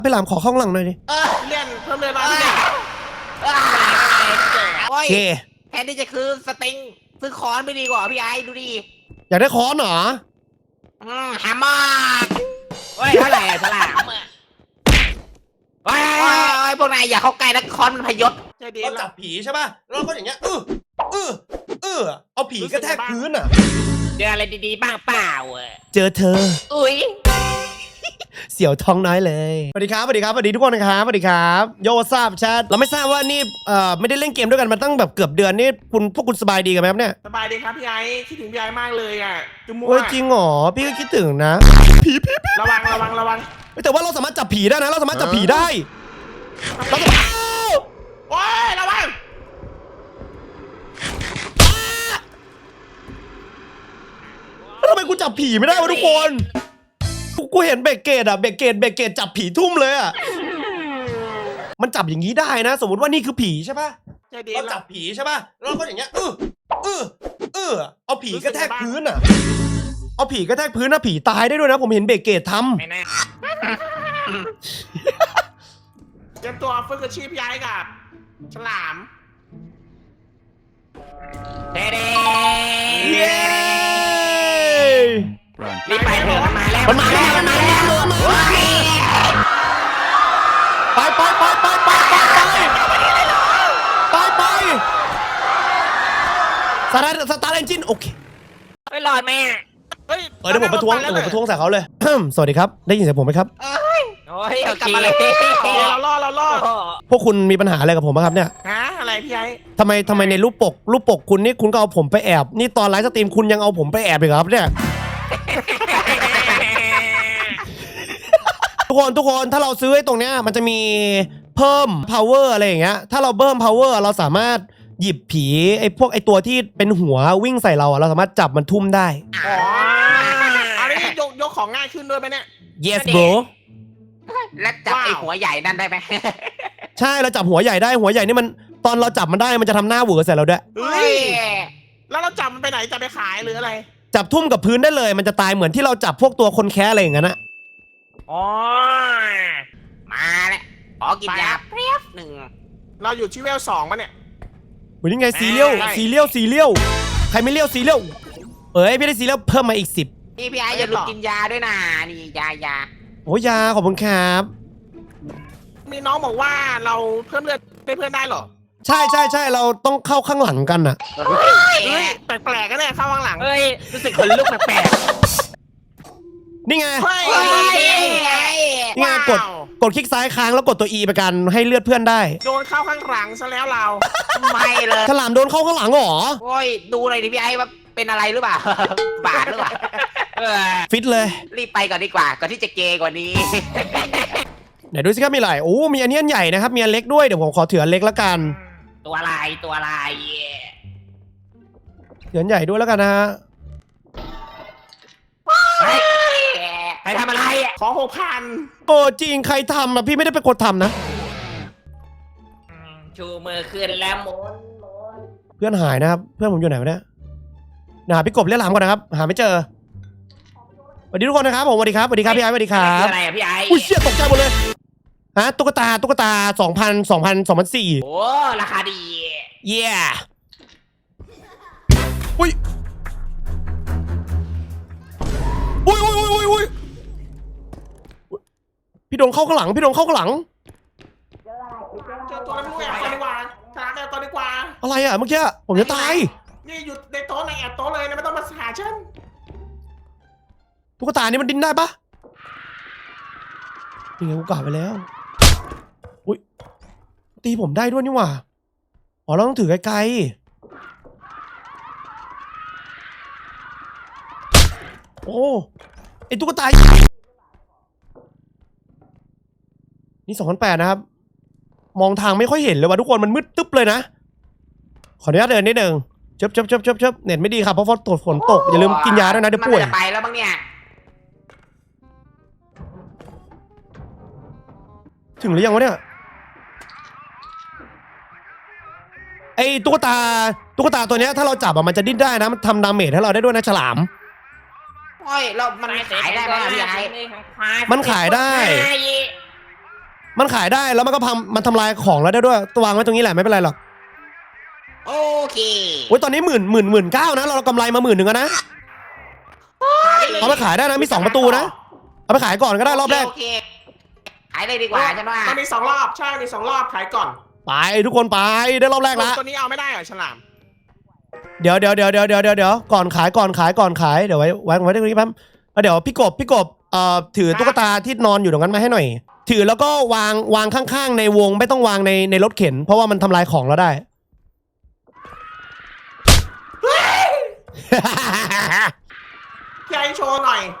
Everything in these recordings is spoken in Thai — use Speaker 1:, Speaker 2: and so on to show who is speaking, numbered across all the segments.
Speaker 1: ไปหลามขอข้างหลังหน่อยดิ
Speaker 2: เลื่อนเพิ่มเลยมาเนี่ยโอ้ยแทนที่จะคือสติงซื้อคอนไปดีกว่าพี่ไอ้ดูดิ
Speaker 1: อยากได้ค้อนเหรอ
Speaker 2: หามากโอ้ยเท่าไหร่ฉลามโอ้ยพวกนายอย่าเข้าใกล้นะคอนมันพยศ
Speaker 1: เราจับผีใช่ป่ะเราก็อย่างเงี้ยเอาผีกระแทกพื้นอ่ะ
Speaker 2: เจออะไรดีๆบ้างเปล่า
Speaker 1: เจอเธอ
Speaker 2: อุ้ย
Speaker 1: เสี่ยวท้องน้อยเลยสวัสดีครับสวัสดีครับสวัสดีทุกคนนะครับสวัสดีครับโยทราบแชทเราไม่ทราบว่านี่ไม่ได้เล่นเกมด้วยกันมาตั้งแบบเกือบเดือนนี่พวกคุณสบายดีกันไหมครับเนี่ย
Speaker 2: สบายดีครับพี่ไอ้คิดถึงพี่ไอ้มากเลยอ่ะจุ๊มัว
Speaker 1: จริงเหรอพี่ก็คิดถึงนะผี
Speaker 2: ระวัง
Speaker 1: แต่ว่าเราสามารถจับผีได้นะเราสามารถจับผีได้เราสามารถ
Speaker 2: โอ้ยระวัง
Speaker 1: ทำไมกูจับผีไม่ได้วะทุกคนกูเห็นเบเกตจับผีทุ่มเลยอ่ะมันจับอย่างนี้ได้นะสมมติว่านี่คือผีใช่ป่ะเราจับผีใช่ป่ะเราก็อย่างเงี้ยเอาผีกระแทกพื้นอ่ะเอาผีกระแทกพื้นนะผีตายได้ด้วยนะผมเห็นเบเกตทำ
Speaker 2: ไม่แน่เตรียมตัวฝึกอาชีพย้ายกับฉลามเด้รีบไปเถอะมันมาแล้ว
Speaker 1: สตาร์ทเอนจินโอเค
Speaker 2: ไม่รอดแม่
Speaker 1: เดี๋ยวผมประท้วงใส่เขาเลย สวัสดีครับได้ยินเสียงผมไหมครับ
Speaker 2: โอ้ยกลับมาเลยเราล่อ
Speaker 1: พวกคุณมีปัญหาอะไรกับผมไหมครับเนี่ย
Speaker 2: อะไรพี่ไอ้
Speaker 1: ทำไมในรูปปกคุณนี่คุณก็เอาผมไปแอบนี่ตอนไลฟ์สตรีมคุณยังเอาผมไปแอบอีกครับเนี่ย ทุกคนถ้าเราซื้อไอ้ตรงเนี้ยมันจะมีเพิ่ม power อะไรอย่างเงี้ยถ้าเราเพิ่ม power เราสามารถหยิบผีไอ้ตัวที่เป็นหัววิ่งใส่เราเราสามารถจับมันทุ่มได้
Speaker 2: อันนี้ยกของง่ายขึ้นด้วยไหมเนี่ย
Speaker 1: yes bro
Speaker 2: และจับไอ้หัวใหญ่นั่นได้ไหม
Speaker 1: ใช่เราจับหัวใหญ่ได้หัวใหญ่นี่มันตอนเราจับมันได้มันจะทำหน้าเหวอใส่เราด้วย
Speaker 2: แล้วเราจับมันไปไหนจะไปขายหรืออะไร
Speaker 1: จับทุ่มกับพื้นได้เลยมันจะตายเหมือนที่เราจับพวกตัวคนแค้อะไรอย่างนั้นนะ
Speaker 2: มาแล้วขอกินยาเพียบหนึ่งเราอยู่ที่เวล2ป่ะเนี่ย
Speaker 1: วันนี้ไงซีเรียลใครไม่เลี้ยวซีเรียลพี่ได้ซีเรียลเพิ่มมาอีก10
Speaker 2: พี่ไอ้อย่าลืมกินยาด้วยนะนี่ยา
Speaker 1: โอ้ยาขอบคุณครับ
Speaker 2: มีน้องบอกว่าเราเพิ่มเลือดให้เพื่อนได้หรอ
Speaker 1: ใช่เราต้องเข้าข้างหลังกันน่ะ
Speaker 2: แปลกๆกันเนี่ยเข้าข้างหลังรู้สึกขนลุกแปลก
Speaker 1: นี่ไงกดคลิกซ้ายค้างแล้วกดตัว E ไปกันให้เลือดเพื่อนได้
Speaker 2: โดนเข้าข้างหลังซะแล้วเราไม่เลย
Speaker 1: ฉลามโดนเข้าข้างหลังหรอ
Speaker 2: โอ้ยดูหน่อยดิพี่ไอ้ว่าเป็นอะไรหรือเปล่าบาดหรือเปล่า
Speaker 1: ฟิตเลย
Speaker 2: รีบไปก่อนดีกว่าก่อนที่จะเกย์กว่านี้
Speaker 1: ไหนดูสิครับมีอะไรมีอันนี้อันใหญ่นะครับมีอันเล็กด้วยเดี๋ยวผมขอถืออันเล็กแล้วกัน
Speaker 2: ตัวอะไรถือ
Speaker 1: อันใหญ่ด้วยแล้วกันนะฮะ
Speaker 2: ใครทำอะไรขอ6,000
Speaker 1: จริงใครทำพี่ไม่ได้เป็นคนทำนะ
Speaker 2: ชูมือขึ้นแล้วหมุน
Speaker 1: เพื่อนหายนะครับเพื่อนผมอยู่ไหนวะเนี่ยหาพี่กบเรียกหลามก่อนนะครับหาไม่เจอสวัสดีทุกคนนะครับผมสวัสดีครับพี่ไอ้สวัสดีครับ
Speaker 2: อะไรพี่ไอ้
Speaker 1: อุ้ยเชี่ยตกใจหมดเลยตุ๊กตา2004โอ้
Speaker 2: ราคาดี
Speaker 1: เย้อุ้ยพี่โดนเข้าข้างหลัง
Speaker 2: เจอตัวนั้นด้วยตัวดีกว่าชนะตัวดีกว่า
Speaker 1: อะไรอ่ะเมื่อกี้ผมจะตาย
Speaker 2: นี่อยู่ในโต๊ะในแอบโต๊ะเลยนะไม่ต้องมาหาฉัน
Speaker 1: ตุ๊กตานี่มันดิ้นได้ปะนี่ไงกูกลับไปแล้วอุ้ยตีผมได้ด้วยนี่หว่าเราต้องถือไกลๆไอตุ๊กตานี่2008นะครับมองทางไม่ค่อยเห็นเลยว่ะทุกคนมันมืดตึ๊บเลยนะขออนุญาตเดินนิดนึงเจ็บเน็ตไม่ดีครับเพราะฝนตกอย่าลืมกินยาด้วยนะเดี๋ยวป่วย
Speaker 2: ไปแล้วบ้างเนี่ย
Speaker 1: ถึงหรือยังวะเนี่ยไอ้ตุ๊กตาตัวเนี้ยถ้าเราจับมันจะดิ้นได้นะมันทำดาเมจให้เราได้ด้วยนะฉลาม
Speaker 2: มันขายได้ไหมพี่ไอ้
Speaker 1: มันขายได้มันขายได้แล้วมันก็มันทำลายของแล้วได้ด้วยวางไว้ตรงนี้แหละไม่เป็นไรหรอก
Speaker 2: โอเค
Speaker 1: โอ้ยตอนนี้19,000นะเรากำไรมา10,000แล้วนะเอาไปขายได้นะมี2ประตูนะเอาไปขายก่อนก็ได้รอบแรก
Speaker 2: โอเคขายเลยดีกว่าฉันว่า
Speaker 3: มันมี2 รอบใช่มี2 รอบขายก่อน
Speaker 1: ไปทุกคนไปได้รอบแรกละ
Speaker 3: ตัวนี้เอาไม่ได้เหรอฉลาม
Speaker 1: เดี๋ยวก่อนขายเดี๋ยวไว้ตรงนี้แป๊บแล้วเดี๋ยวพี่กบถือตุ๊กตาที่นอนอยู่ตรงนั้นมาให้หน่อย ถือแล้วก็วางข้างๆในวงไม่ต้องวางในรถเข็นเพราะว่ามันทำลายของเราได้
Speaker 3: พี่ไอโชว์หน่อย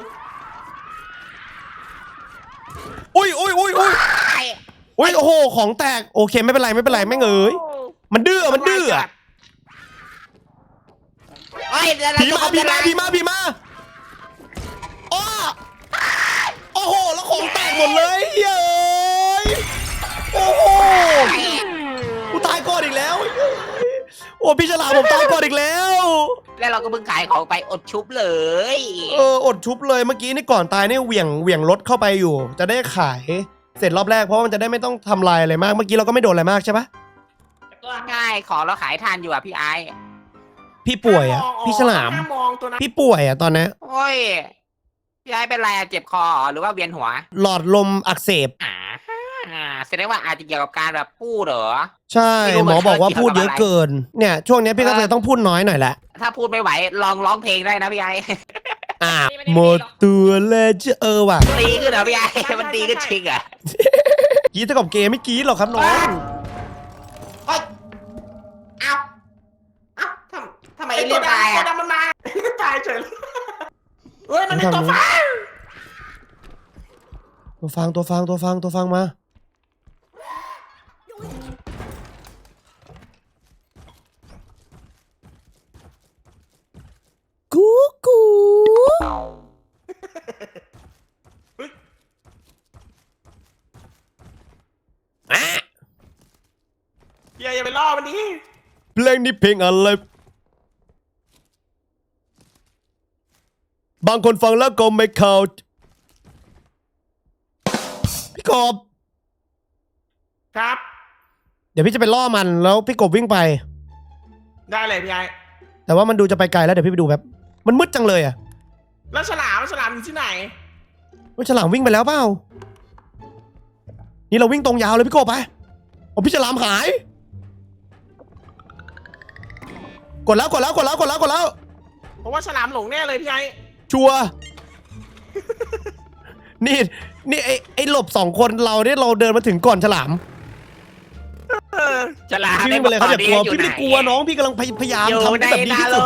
Speaker 1: อุ้ยโอ้โหของแตกโอเคไม่เป็นไรไม่เงยมันดื้ออะ
Speaker 2: เฮ้ย
Speaker 1: ผีมาอ้อโอ้โหแล้วของแตกหมดเลยเย้ยโอ้โหกูตายก่อนอีกแล้วโอ้พี่ฉลามผมตายก่อนอีกแล้ว
Speaker 2: แล้วเราก็เพิ่งขายของไปอดชุบเลย
Speaker 1: อดชุบเลยเมื่อกี้นี่ก่อนตายนี่เหวี่ยงรถเข้าไปอยู่ จะได้ขายเสร็จรอบแรกเพราะว่ามันจะได้ไม่ต้องทำลายอะไรมากเมื่อกี้เราก็ไม่โดนอะไรมากใช่ปะ
Speaker 2: ง่ายของเราขายทานอยู่อ่ะพี่ไอ
Speaker 1: พี่ป่วยอ่ะพี่ฉลาม
Speaker 3: มองตัวนั้น
Speaker 1: พี่ป่วยอ่ะตอนนี้
Speaker 2: โอ้ยพี่ไอเป็นไรอะเจ็บคอหรือว่าเวียนหัว
Speaker 1: หลอดลมอักเสบ
Speaker 2: แสดงว่าอาจจะเกี่ยวกับการแบบพูดเหรอ
Speaker 1: ใช่
Speaker 2: ไม่รู้
Speaker 1: หมอบอกว่า
Speaker 2: มันเกี่ยว
Speaker 1: พูด
Speaker 2: กับ
Speaker 1: เยอะ
Speaker 2: อะไร
Speaker 1: เกินเนี่ยช่วงนี้พี่ก็เลยต้องพูดน้อยหน่อยแหละ
Speaker 2: ถ้าพูดไม่ไหวลองร้องเพลงได้นะพี่ไอ
Speaker 1: หมดตัวแล้วจะว่ะ
Speaker 2: ตีขึ้นเหรอพี่ไอมันตีขึ้นชิงอ่ะ
Speaker 1: กรีดเท่ากับเกมไม่กรีดหรอกครับน้อง
Speaker 2: เฮ้ยเอาทำไมไอเลียนตายอ่ะ
Speaker 3: ตัวดำมันมาตายเฉยเลยเฮ้ยมันเป็นตัวฟ้า
Speaker 1: ตัวฟังมากู
Speaker 3: อย่าไปล่อมันดิ
Speaker 1: เพลงนี้เพลงอะไรบางคนฟังแล้วก็ไม่เข้าพี่กบ
Speaker 3: ครับ
Speaker 1: เดี๋ยวพี่จะไปล่อมันแล้วพี่กบวิ่งไป
Speaker 3: ได้เลยพี่ไอ
Speaker 1: แต่ว่ามันดูจะไปไกลแล้วเดี๋ยวพี่ไปดูแบบมันมืดจังเลยอ่ะ
Speaker 3: แล้วฉลามอยู่ที่ไหน
Speaker 1: ว่าฉลามวิ่งไปแล้วเปล่านี่เราวิ่งตรงยาวเลยพี่กบไปโอ้พี่ฉลามหายกดแล้ว
Speaker 3: เพราะว่าฉลามหลงแน่เลยพี่ไอ
Speaker 1: ชัวร์ นี่ไอ้หลบ2 คนเราเนี่ยเราเดินมาถึงก่อนฉลาม
Speaker 2: ฉลาม
Speaker 1: พี่วิ่งไปเลยครับอย่ากลัวพี่ไม่ได้กลัวน้องพี่กำลังพยายาม
Speaker 2: อยู่
Speaker 1: ทำ
Speaker 2: ใน
Speaker 1: แบบนี้
Speaker 2: นา
Speaker 1: ที่
Speaker 2: โล
Speaker 1: สุด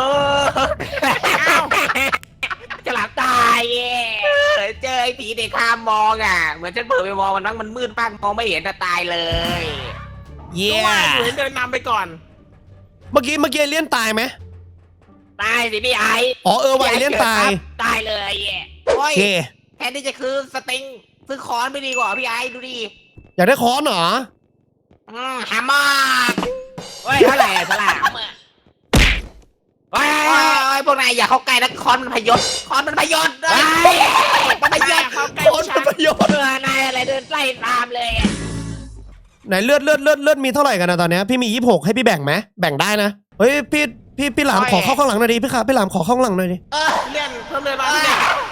Speaker 2: ฉลามตายเจอไอ้ผีเด็กข้ามมองอ่ะเหมือนฉันเปิดไปมองมันมืดมากมองไม่เห็นแต่ตายเลย
Speaker 1: เย้
Speaker 3: ว่าอยู่ให้เดินนำไปก่อน
Speaker 1: เมื่อกี้เอเลี่ยนตายไหม
Speaker 2: ตายสิพี่ไอ
Speaker 1: อ๋อว่ะเอเลี่ยนตาย
Speaker 2: ตายเลย
Speaker 1: โอ
Speaker 2: โอ้ย
Speaker 1: เค
Speaker 2: แทนที่จะคือสติงซื้อค้อนไปดีกว่าพี่ไอดูดิ
Speaker 1: อยากได้ค้อนเหรอ
Speaker 2: หามากเฮ้ยเท่าไหร่ฉลามเฮ้ยพวกนายอย่าเข้าใกล้นะค้อนมันพยศมันพยศมันพยศ
Speaker 3: เข้าใกล้
Speaker 1: ค้อนเป็นประโยชน์
Speaker 2: นายอะไรเดินไล่ตามเลย
Speaker 1: ไหนเลือดมีเท่าไหร่กันนะตอนเนี้ยพี่มี26ให้พี่แบ่งไหมแบ่งได้นะเฮ้ยพี่หลามขอเข้าข้างหลังหน่อยดิพี่หลามขอเข้าข้างหลังหน่อยดิ
Speaker 3: เลี่ยนเพิ่มเลยมาพี่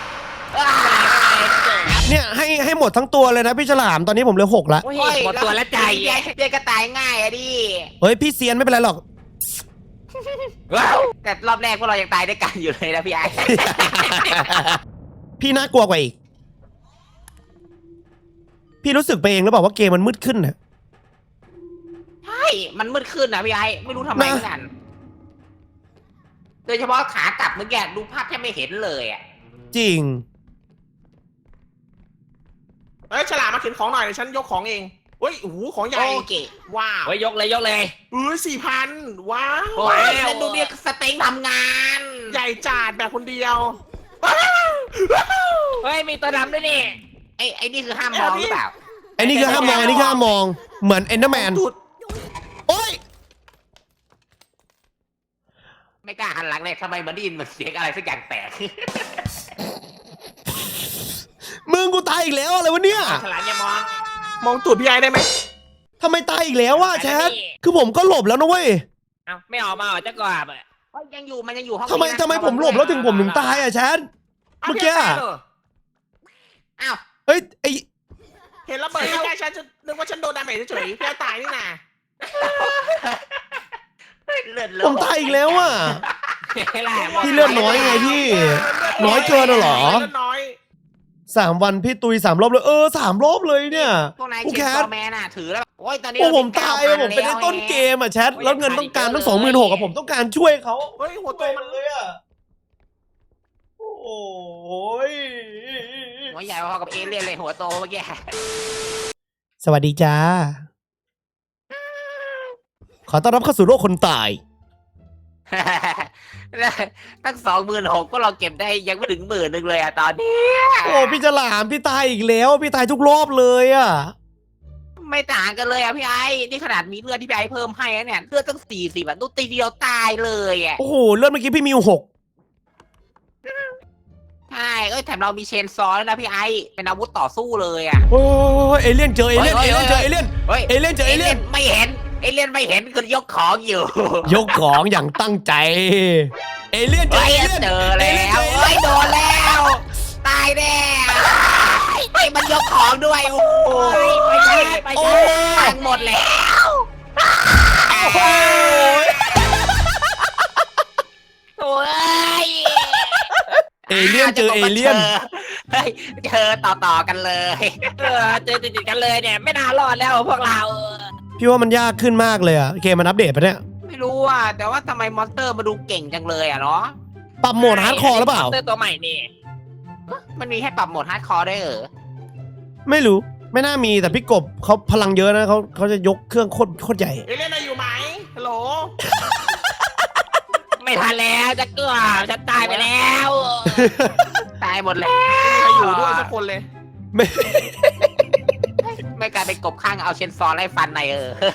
Speaker 1: เนี่ยให้หมดทั้งตัวเลยนะพี่ฉลามตอนนี้ผมเหลือ6ละ
Speaker 2: หมดตัวแล้วใจเจ๊ก็ตายง่ายอะดิ
Speaker 1: เฮ้ยพี่เซียนไม่เป็นไรหรอก
Speaker 2: แต่รอบแรกพวกเรายังตายด้วยกันอยู่เลยนะพี่ไอ
Speaker 1: พี่น่ากลัวกว่าอีกพี่รู้สึกไปเองหรือเปล่าว่าเกมมันมืดขึ้นน่ะ
Speaker 2: ใช่มันมืดขึ้นนะพี่ไอไม่รู้ทำไมเหมือนกันโดยเฉพาะขากลับเมื่อกี้ดูภาพแทบไม่เห็นเลยอ่ะ
Speaker 1: จริง
Speaker 3: เฮ้ยฉลามมาเข็นของหน่อยเดี๋ยวฉันยกของเองเฮ้ยโอ้โหของใหญ่
Speaker 2: โอเค
Speaker 3: ว้าว
Speaker 2: ไว้ยกเลย
Speaker 3: 4,000ว้าว
Speaker 2: โอ้ยแล้วดูเนี่ยสเต็งทำงาน
Speaker 3: ใหญ่จัดแบบคนเดียว
Speaker 2: เฮ้ยมีตัวดำด้วยนี่ไอ้นี่คือห้ามมองหรือเปล่า
Speaker 1: ไอ้นี่คือห้ามมองเหมือนเอนเดอร์แมน
Speaker 3: จุด
Speaker 1: โอ้ย
Speaker 2: ไม่กล้าหันหลังเลยทำไมเหมือนได้ยินเหมือนเสียงอะไรสักอย่างแตก
Speaker 1: มึงกูตายอีกแล้วอะไรวะเนี่ย
Speaker 2: ฉลามอย่ามอง
Speaker 3: มองตูดพี่ไอ้ได้ไหม
Speaker 1: ทำไมตายอีกแล้ววะแชทคือผมก็หลบแล้วนะเว้ย
Speaker 2: เอ้าไม่ออกมาเหรอจะกราบอ่ะยังอยู่มันยังอยู่ห้อง
Speaker 1: ทำไม
Speaker 2: นี้นะ
Speaker 1: ทำไมผมหลบแล้วถึงผมถึงตายอ่ะแชท เมื่อกี้อะ
Speaker 2: อ้าว
Speaker 1: เฮ้ยไอ
Speaker 3: เห็นระเบิดใกล้ๆฉันจะนึกว่าฉันโดนดาเมจเฉยๆพี่ไอ้ตายนี่นะ
Speaker 2: เลือด
Speaker 1: ผมตายอีกแล้วอ่ะ
Speaker 2: พี่
Speaker 1: พี่เลือดน้อยไงพี่ น้อยเกินเหรอ
Speaker 3: เลือดน้อย
Speaker 1: 3 วันพี่ตุย3 รอบเลย3 รอบเลยเนี่ย
Speaker 2: พวกนาย
Speaker 1: ผู้
Speaker 2: เช
Speaker 1: แค
Speaker 2: น
Speaker 1: ท
Speaker 2: ซอแมนน่ะถือแล้วโอ้ยตอนนี้
Speaker 1: โอ้ผม
Speaker 2: เร
Speaker 1: ตาย
Speaker 2: 9,000
Speaker 1: อะผมเป็นในต้นเกมอ่ะแชทแล้วเงินต้องการตั้ง26,000อะผมต้องการช่วยเขา
Speaker 3: เฮ้ยหัวโตมัน
Speaker 1: เลยอ่ะโอ้ย
Speaker 2: หัวใหญ่พอกับเอเลี่ยนเลยหัวโตเมื่อกี้
Speaker 1: สวัสดีจ้า ขอต้อนรับเข้าสู่โลกคนตาย
Speaker 2: ตั้ง26,000ก็เราเก็บได้ยังไม่ถึง10,000เลยอ่ะตอนนี้
Speaker 1: โอ้พี่ฉลามพี่ตายอีกแล้ว พี่ตายทุกรอบเลยอ่ะ
Speaker 2: ไม่ต่างกันเลยอ่ะพี่ไอ้นี่ขนาดมีเลือดที่พี่ไอ้เพิ่มให้แล้วเนี่ยเลือดตั้ง40อ่ะตุ๊ตีเดียวตายเลยอ่ะ
Speaker 1: โอ้โหเลือดเมื่อกี้พี่มีอยู่6
Speaker 2: ใช่แถมเรามีเชนซอแล้วนะพี่ไอ้เป็นอาวุธต่อสู้เลยอ่ะ
Speaker 1: โอ้ยเอเลี่ยนเจอเอเลี่ยน
Speaker 2: เฮ้
Speaker 1: เอย เลี่ยนเจอเอเลี่ยน
Speaker 2: เฮ้ย
Speaker 1: เอเลี่ยนเจอเอเลี่ยน
Speaker 2: ไม่เห็นเอเลี่ยนไม่เห็นคือยกของอยู่
Speaker 1: ยกของอย่างตั้งใจ เอเลี่ยนเจอ
Speaker 2: เฮ้ย
Speaker 1: เอเลี่ยน
Speaker 2: เจอแล้วเฮ้ยโดนแล้ว ตายแน่ไปมันยกของด้วยโอ้ยไปพังหมดแล้ว
Speaker 1: โอ้ย
Speaker 2: โอ้ย
Speaker 1: เอเลี่ยนเจอเอเลี่ยน
Speaker 2: เฮ้ยเจอต่อกันเลยเจอติดกันเลยเนี่ยไม่น่ารอดแล้วพวกเรา
Speaker 1: พี่ว่ามันยากขึ้นมากเลยอ่ะเกมมันอัปเดตไปะเนี่ย
Speaker 2: ไม่รู้อ่ะแต่ว่าทำไมมอนสเตอร์มาดูเก่งจังเลยอ่ะเนาะ
Speaker 1: ปรับโหมดฮาร์ดคอร์หรือเปล่า
Speaker 2: มอนสเตอร์ตัวใหม่นี่มันมีให้ปรับโหมดฮาร์ดคอร์ได้เหรอ
Speaker 1: ไม่รู้ ไม่น่ามีแต่พี่กบเขาพลังเยอะนะเขาจะยกเครื่องโคตรใหญ่
Speaker 3: เอเลี่ยนนายอยู่ไหมฮัลโหล
Speaker 2: ไม่ทันแล้วจะเกือบฉันตายไปแล้ว ตายหมดแล้ว
Speaker 3: ใครอยู่ด้วยสักคนเลย
Speaker 1: ไม่
Speaker 2: ไม่กลายเป็นกบข้างเอาเชนซอไล่ฟันใน